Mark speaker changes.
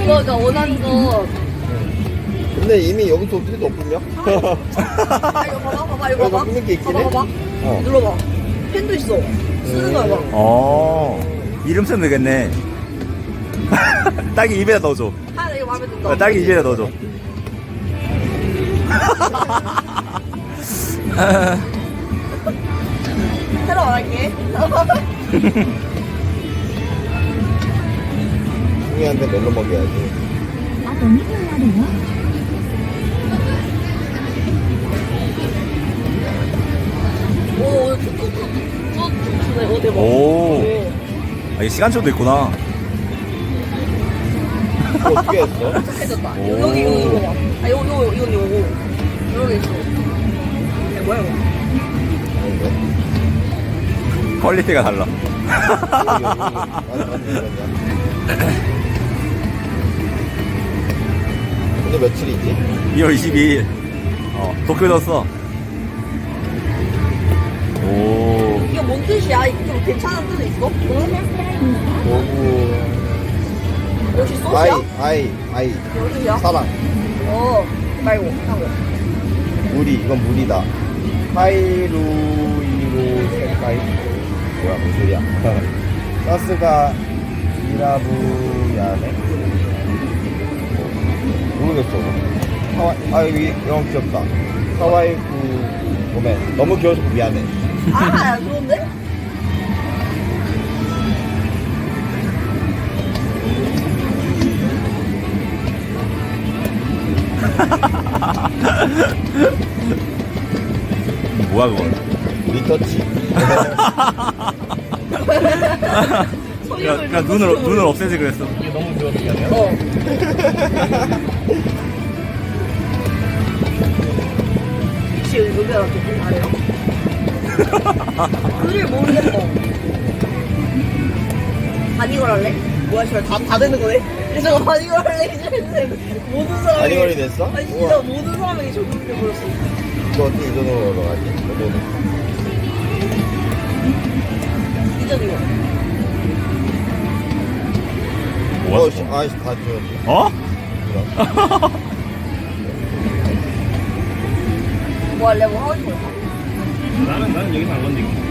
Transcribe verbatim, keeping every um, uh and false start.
Speaker 1: 그거가 원하는 거.
Speaker 2: 근데 이미 여기서 어떻게 높으냐?
Speaker 1: 아, 이거 봐봐, 봐봐, 이거
Speaker 2: 여기
Speaker 1: 봐봐.
Speaker 2: 높은 게 있긴
Speaker 1: 봐봐,
Speaker 2: 해?
Speaker 1: 봐봐.
Speaker 2: 어.
Speaker 1: 눌러봐. 펜도 있어. 쓰는 거야, 봐.
Speaker 3: 어, 이름 쓰면 되겠네. 딸기 입에다 넣어줘.
Speaker 1: 아, 나 이거 마음에 든다.
Speaker 3: 어, 딸기 입에다 넣어줘.
Speaker 1: 새로 안 할게.
Speaker 2: 승희한테 멜로 먹여야지.
Speaker 4: あとにふんあるよ。
Speaker 1: 오, 오늘 툭툭툭. 툭툭. 오, 대박.
Speaker 3: 오. 아, 이게 시간초도 있구나.
Speaker 2: 이거 어떻게 했어?
Speaker 1: 착해졌다.
Speaker 3: 오.
Speaker 1: 여기, 여기, 이거 봐. 아, 요, 요, 이건 요거. 이렇게 있어. 이게 뭐야, 이거?
Speaker 2: 아닌데?
Speaker 3: 퀄리티가 달라.
Speaker 2: 여기, 여기, 여기. 맞아, 맞아, 맞아. 오늘 며칠이지?
Speaker 3: 이월 이십이일. 어, 도쿄 넣었어. 오.
Speaker 1: 이거 뭔 뜻이야? 이거 좀 괜찮은 뜻 있어?
Speaker 4: ボーナスタイムは
Speaker 2: 오구.
Speaker 1: 역시
Speaker 2: 아이,
Speaker 1: 소스야?
Speaker 2: 아이, 아이.
Speaker 1: 뭔 뜻이야?
Speaker 2: 사랑.
Speaker 1: 어, 말고, 하고.
Speaker 2: 물이, 이건 물이다. 하이루이로 색깔. 뭐야, 무슨 소리야. 가스가 이라부야네? 모르겠어. 하와이, 아, 여기 영어 귀엽다. 하와이 구, 보면 너무 귀여워서 미안해.
Speaker 1: 아, 좋은데?
Speaker 3: 뭐야, 그건.
Speaker 2: 리터치.
Speaker 3: 그냥, 그냥 눈을, 눈을 없애지 그랬어.
Speaker 2: 이게 너무 귀여워서 미안해.
Speaker 1: 어. 혹시 의견랑 조금 다래요? 글을 모르겠어. 바니걸 할래? 뭐야, 씨발, 다, 다 되는 거네? 그래서 바니걸 할래? 이제 모든 사람이.
Speaker 2: 바니걸이 됐어?
Speaker 1: 아니, 진짜
Speaker 2: 우와.
Speaker 1: 모든 사람이 적용돼버렸어.
Speaker 2: 이거 어떻게 이 돈으로 얻어가지? 이거는.
Speaker 1: 이전이요.
Speaker 3: 뭐야,
Speaker 2: 어, 씨,
Speaker 3: 저거.
Speaker 2: 아이씨, 다 주웠네.
Speaker 3: 어?
Speaker 2: 이거.
Speaker 1: 뭐 할래? 뭐 하고 싶어?
Speaker 5: 나는 나는 여기서 안 건드릴게.